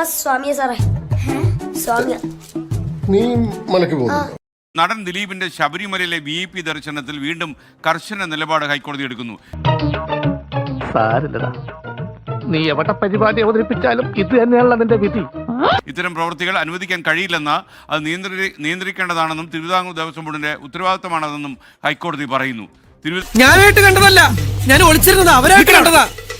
സ്വാമിയെ സാറേ, സ്വാമിയ. നീ മലക്ക് പോകുന്നു. നടൻ ദിലീപിന്റെ ശബരിമലയിലെ VIP ദർശനത്തിൽ വീണ്ടും കർശന നിലപാട് ഹൈക്കോടതി എടുക്കുന്നു. നീ എവിടെ പരിപാടി അവതരിപ്പിച്ചാലും ഇത് തന്നെയാണല്ലോ നിന്റെ വിധി. ഇത്തരം പ്രവൃത്തികൾ അനുവദിക്കാൻ കഴിയില്ലെന്ന്, അത് നിയന്ത്രിക്കേണ്ടതാണെന്നും തിരുവിതാംകൂർ ദേവസ്വം ബോർഡിന്റെ ഉത്തരവാദിത്തമാണെന്നും ഹൈക്കോടതി പറയുന്നു. ഞാനായിട്ട് കണ്ടതല്ല, ഞാൻ ഒളിച്ചിരുന്നത് അവരായിട്ട് കണ്ടതാ.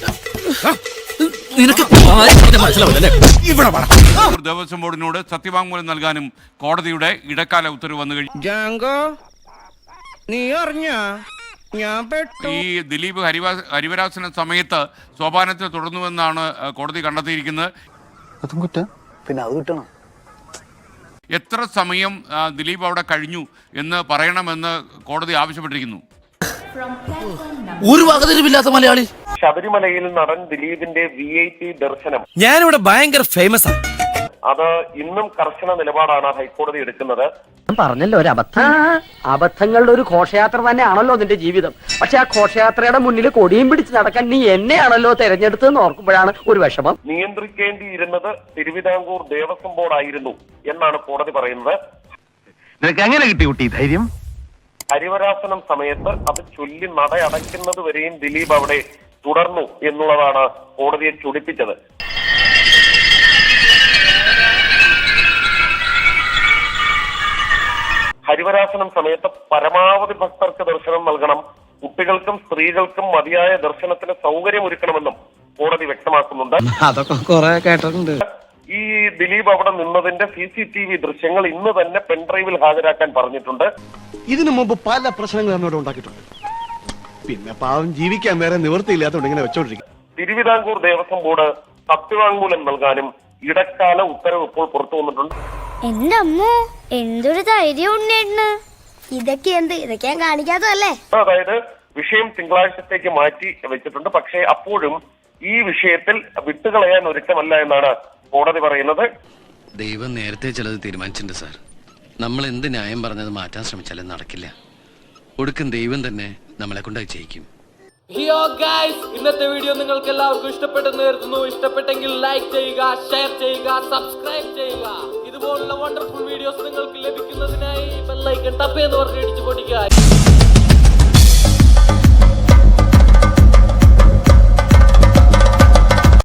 ദേവസ്വം ബോർഡിനോട് സത്യവാങ്മൂലം നൽകാനും കോടതിയുടെ ഇടക്കാല ഉത്തരവ് വന്നു കഴിഞ്ഞു. ഈ ദിലീപ് ഹരിവരാസന സമയത്ത് സോപാനത്തിൽ തുടർന്നുവെന്നാണ് കോടതി കണ്ടെത്തിയിരിക്കുന്നത്. എത്ര സമയം ദിലീപ് അവിടെ കഴിഞ്ഞു എന്ന് പറയണമെന്ന് കോടതി ആവശ്യപ്പെട്ടിരിക്കുന്നു. ഒരു വകതിരിവില്ലാത്ത മലയാളി. ശബരിമലയിൽ നടൻ ദിലീപിന്റെ VIP ദർശനം ഞാനിവിടെ ഭയങ്കര ഫേമസ് ആണ്. അത് ഇന്നും കർശന നിലപാടാണ് ഹൈക്കോടതി എടുക്കുന്നത്. പറഞ്ഞല്ലോ, ഒരു അബദ്ധങ്ങളുടെ ഒരു ഘോഷയാത്ര തന്നെയാണല്ലോ നിന്റെ ജീവിതം. പക്ഷെ ആ ഘോഷയാത്രയുടെ മുന്നിൽ കൊടിയും പിടിച്ച് നടക്കാൻ നീ എന്നെയാണല്ലോ തെരഞ്ഞെടുത്തെന്ന് ഓർക്കുമ്പോഴാണ് ഒരു വിഷമം. നിയന്ത്രിക്കേണ്ടിയിരുന്നത് തിരുവിതാംകൂർ ദേവസ്വം ബോർഡായിരുന്നു എന്നാണ് കോടതി പറയുന്നത്. നിനക്ക് എങ്ങനെ കിട്ടി കുട്ടി ധൈര്യം? ഹരിവരാസനം സമയത്ത് അത് ചൊല്ലി നട അടയ്ക്കുന്നത് വരെയും ദിലീപ് അവിടെ തുടർന്നു എന്നുള്ളതാണ് കോടതിയെ ചൊടിപ്പിച്ചത്. ഹരിവരാസനം സമയത്ത് പരമാവധി ഭക്തർക്ക് ദർശനം നൽകണം, കുട്ടികൾക്കും സ്ത്രീകൾക്കും മതിയായ ദർശനത്തിന് സൗകര്യമൊരുക്കണമെന്നും കോടതി വ്യക്തമാക്കുന്നുണ്ട്. അതൊക്കെ കുറെ കേട്ടിട്ടുണ്ട്. ഈ ദിലീപ് അവിടെ നിന്നതിന്റെ CCTV ദൃശ്യങ്ങൾ ഇന്ന് തന്നെ പെൻഡ്രൈവിൽ ഹാജരാക്കാൻ പറഞ്ഞിട്ടുണ്ട്. ഇതിനു മുമ്പ് പല പ്രശ്നങ്ങൾ എന്നോട് ഉണ്ടാക്കിയിട്ടുണ്ട്. പിന്നെ പാവം ജീവിക്കാൻ വേറെ നിവൃത്തിയില്ലാത്തതുകൊണ്ട് ഇങ്ങനെ വെച്ചോണ്ടിരിക്കും. തിരുവിതാംകൂർ ദേവസ്വം ബോർഡ് സത്യവാങ്മൂലം നൽകാനും ഇടക്കാല ഉത്തരവ് ഇപ്പോൾ പുറത്തു വന്നിട്ടുണ്ട്. എന്റെ അമ്മോ, എന്തൊരു ധൈര്യം ഉണ്ണേട്ടന്. ഇതൊക്കെ ഞാൻ കാണിക്കാത്തതല്ലേ. അതായത് വിഷയം തിങ്കളാഴ്ചത്തേക്ക് മാറ്റി വെച്ചിട്ടുണ്ട്. പക്ഷേ അപ്പോഴും ഈ വിഷയത്തിൽ വിട്ടുകളയാൻ ഒരുക്കമല്ല എന്നാണ് കോടതി പറയുന്നത്. ദൈവം നേരത്തെ ചിലത് തീരുമാനിച്ചിട്ടുണ്ട് സാർ. നമ്മൾ എന്ത് ന്യായം പറഞ്ഞത് മാറ്റാൻ ശ്രമിച്ചാലും നടക്കില്ല. ഒടുക്കം ദൈവം തന്നെ നമ്മളെ കൊണ്ടായി ചെയ്യിക്കും. ഇന്നത്തെ വീഡിയോ നിങ്ങൾക്ക് എല്ലാവർക്കും ഇഷ്ടപ്പെട്ടെന്ന് കരുതുന്നു. ഇഷ്ടപ്പെട്ടെങ്കിൽ ലൈക്ക് ചെയ്യുക, ഷെയർ ചെയ്യുക, സബ്സ്ക്രൈബ് ചെയ്യുക. ഇതുപോലുള്ള വണ്ടർഫുൾ വീഡിയോസ് നിങ്ങൾക്ക് ലഭിക്കുന്നതിനായി ബെൽ ഐക്കൺ ടപ്പ് എന്ന് പറഞ്ഞ് ഇടിച്ചു പൊടിക്കുക.